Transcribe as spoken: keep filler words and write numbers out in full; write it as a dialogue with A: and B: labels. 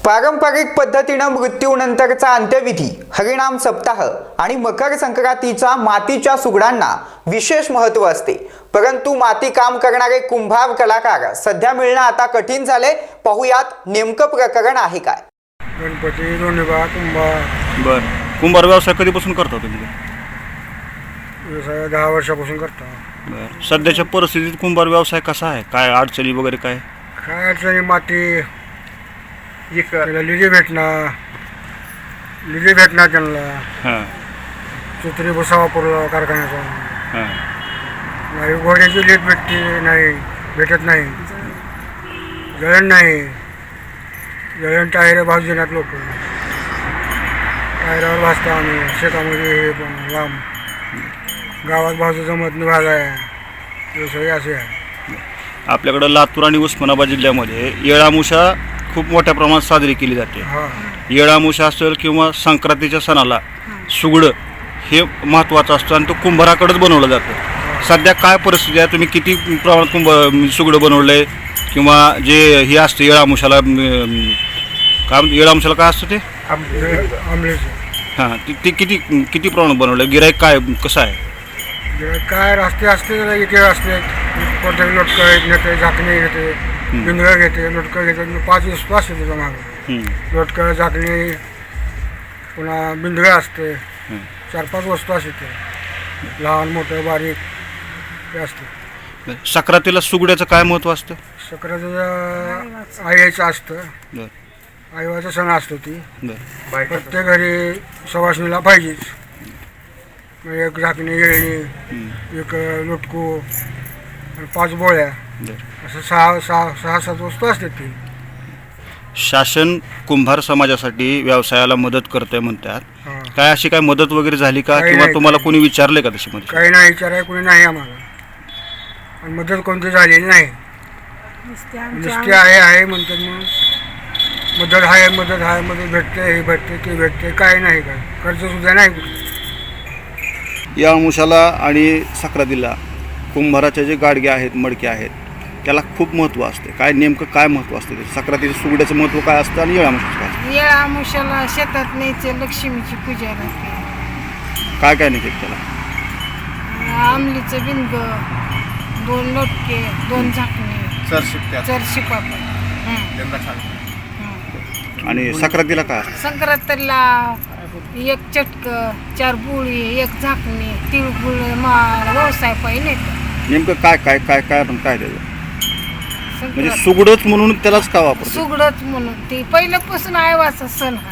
A: पारंपरिक पद्धतीने मृत्यूनंतरचा अंत्यविधी, हरिनाम सप्ताह आणि मकर संक्रांतीचा मातीच्या सुगडांना विशेष महत्त्व असते। परंतु माती काम करणारे कुंभार कलाकार सध्या मिळणं आता कठीण झाले। पाहुयात नेमकं प्रकरण आहे काय।
B: गणपती दोन्हीबा कुंभार
C: बर कुंभार व्यवसाय कधीपासून करता तुम्ही?
B: व्यवसाय दहा वर्षापासून करतो।
C: बर सध्याच्या परिस्थितीत कुंभार व्यवसाय कसा आहे? काय अडचणी वगैरे काय?
B: काय अडचणी माती त्याला लिजे भेटणार लिजे भेटणार त्यांना
C: हां
B: चित्री भुसा वापरला कारखान्याचा
C: हां
B: नाही, घोड्याची लीट भेटते नाही, भेटत नाही, जळण नाही, जळण टायर भाज देण्यात लोक टायरावर भाजता आम्ही शेतामध्ये हे पण लांब गावात भाजू जमत नाही भाजाय व्यवसाय असे आहे।
C: आपल्याकडं लातूर आणि उस्मानाबाद जिल्ह्यामध्ये येळामुषा खूप मोठ्या प्रमाणात साजरी केली जाते।
B: हां
C: येळामुषा असेल किंवा संक्रांतीच्या सणाला सुगडं हे महत्त्वाचं असतं आणि तो कुंभाराकडेच बनवलं जातं। सध्या काय परिस्थिती आहे? तुम्ही किती प्रमाणात कुंभ सुगडं बनवलं आहे किंवा जे हे असतं येळामुषाला काय येळामुषाला काय असतं ते
B: आमलेचं
C: हां ती ती किती किती प्रमाणात बनवलं आहे? गिराईक काय कसं आहे?
B: काय रस्ते असते इथे असते कोणत्याही लोटकं घेते, झाकणी घेते, बिंदगं घेते, लोटकं घेते, पाच वस्तू असते त्याच्या मागं लोटकं झाकणी पुन्हा बिंदगं असते, चार पाच वस्तू असते ते लहान मोठं बारीक ते असते।
C: संक्रांतीला सुगड्याचं काय महत्त्व असतं?
B: संक्रांतीचं आईचं असतं,
C: बरं
B: आईवाचा सण असतो ती
C: बरं
B: प्रत्येक घरी सवासणीला पाहिजेच। एक झाकणी येळणी एक लोटकू आणि पाच बोळ्या
C: बरं
B: असं सहा सहा सहा सात वस्तू असतात ती।
C: शासन कुंभार समाजासाठी व्यवसायाला मदत करते म्हणतात,
B: हां
C: काय अशी काय मदत वगैरे झाली का?
B: काही
C: किंवा
B: नाही,
C: तुम्हाला
B: काही
C: कोणी विचारले का तशी मदत?
B: काही नाही विचाराय कोणी नाही आम्हाला आणि मदत कोणती झालेली नाही। नुसती आहे आहे म्हणतात मग मदत आहे मदत आहे मदत भेटते हे भेटते ते भेटते काय नाही काय कर्ज सुद्धा नाही कुठे।
C: या अंशाला आणि संक्रांतीला कुंभाराचे जे गाडगे आहेत मडके आहेत त्याला खूप महत्त्व असते। काय नेमकं काय महत्त्व असते ते? संक्रांतीच्या सुगड्याचं महत्त्व काय असतं आणि येळामुषाचं काय असतं?
D: येळामुषाला शेतात न्यायचे लक्ष्मीची पूजा राहते।
C: काय काय नाही त्याला?
D: आमलीचं बिंग, दोन लोटके, दोन झाकणे, चरशी पापड।
C: आणि संक्रांतीला काय असतं?
D: संक्रांतीला एक चटक, चार बुळी, एक झाकणी, तिळगुळ माळ व्यवसाय पाहिजे।
C: नेमकं काय काय काय काय पण काय त्याचं म्हणजे
D: संक्रांत
C: सुगडच म्हणून त्यालाच का वापरतो?
D: सुगडच म्हणून ती पहिल्यापासून आयवाचा सण हा।